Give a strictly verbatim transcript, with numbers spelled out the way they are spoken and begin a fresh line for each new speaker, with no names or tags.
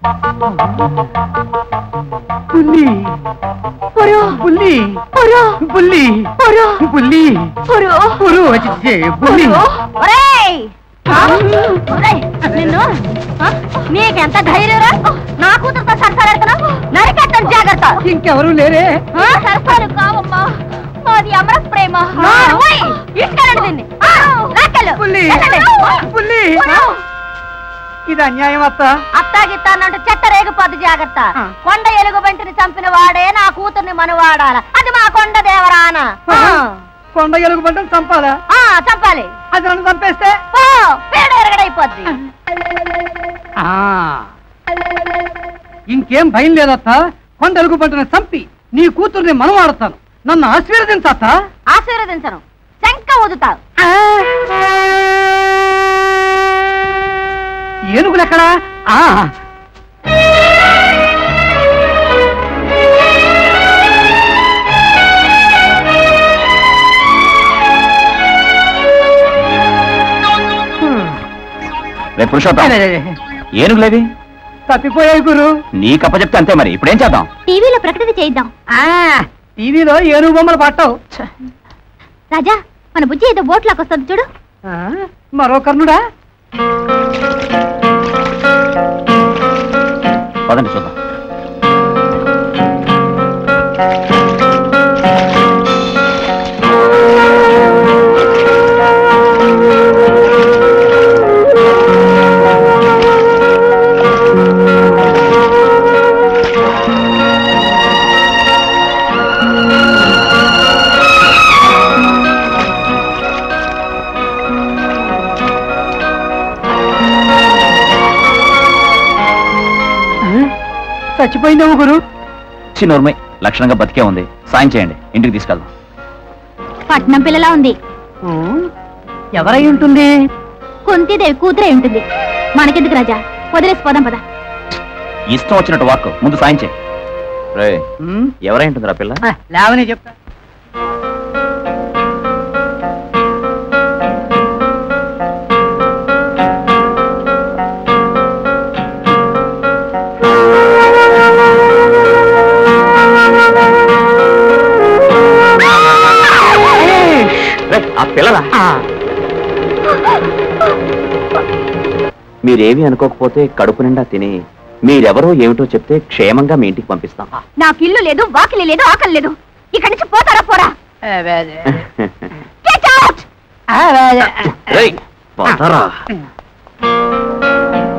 పుల్లి పుల్లి పుల్లి పుల్లి పురు వచ్చి పుల్లి
నిన్ను నీకెంత ధైర్యరా నా కూతురుతో సరసాలెడుతున్నా నరికెట్టం జాగ్రత్త.
ఇంకెవరు లేరే?
సరసాలు కావమ్మా, మాది అమర ప్రేమ. ఇటుకెళ్ళండి దీన్ని.
ఇది అన్యాయం అత్త.
అత్తాగిత్తానంటే చెత్త రేగిపోద్ది జాగ్రత్త. కొండ ఎలుగు బంటిని చంపిన వాడే నా కూతుర్ని మనవాడాల. అది మా కొండ దేవరాన.
కొండ ఎలుగు బంటిని చంపాలా?
చంపాలి.
అది నన్ను చంపేస్తే
పేడ ఎరగడైపోద్ది.
ఇంకేం భయం లేదత్త. కొండ ఎలుగు బంటిని చంపి నీ కూతుర్ని మనవాడతాను. నన్ను ఆశీర్వదించత్త.
ఆశీర్వదించను, శంఖ ఊదుతావు.
ఏనుగులెక్కడా?
పురుషోత్తం, ఏనుగులేవి
తప్పిపోయాయి గురు.
నీకు అప్పచెప్తే అంతే. మరి ఇప్పుడేం చేద్దాం?
టీవీలో ప్రకటన చేద్దాం.
టీవీలో ఏనుగు బొమ్మలు పట్టవు.
రాజా, మన బుజ్జి ఏదో బోట్లాకి వస్తుంది చూడు.
మరో కర్ణుడా?
పదండి చూద్దాం.
చచ్చిపోయిందేమో గురు.
చిన్నోర్మై, లక్షణంగా బతికే ఉంది. సాయం చేయండి, ఇంటికి తీసుకెళ్దాం.
పట్నం పిల్లలా ఉంది.
ఎవరై ఉంటుంది?
కుంతీదేవి కూతురే ఉంటుంది. మనకెందుకు రాజా, వదిలేసిపోదాం పద.
ఇష్టం వచ్చినట్టు వాక్, ముందు సాయం చేయి. ఎవరై ఉంటుందిరా పిల్ల?
లేవని చెప్తా.
ఆ పిల్లరా? మీరేమీ అనుకోకపోతే కడుపు నిండా తిని మీరెవరో ఏమిటో చెప్తే క్షేమంగా మీ ఇంటికి పంపిస్తాం.
నాకు ఇల్లు లేదు, వాకిలి లేదు, ఆకలి లేదు. ఇక్కడి నుంచి పోతారా పోరా?
పోతారా?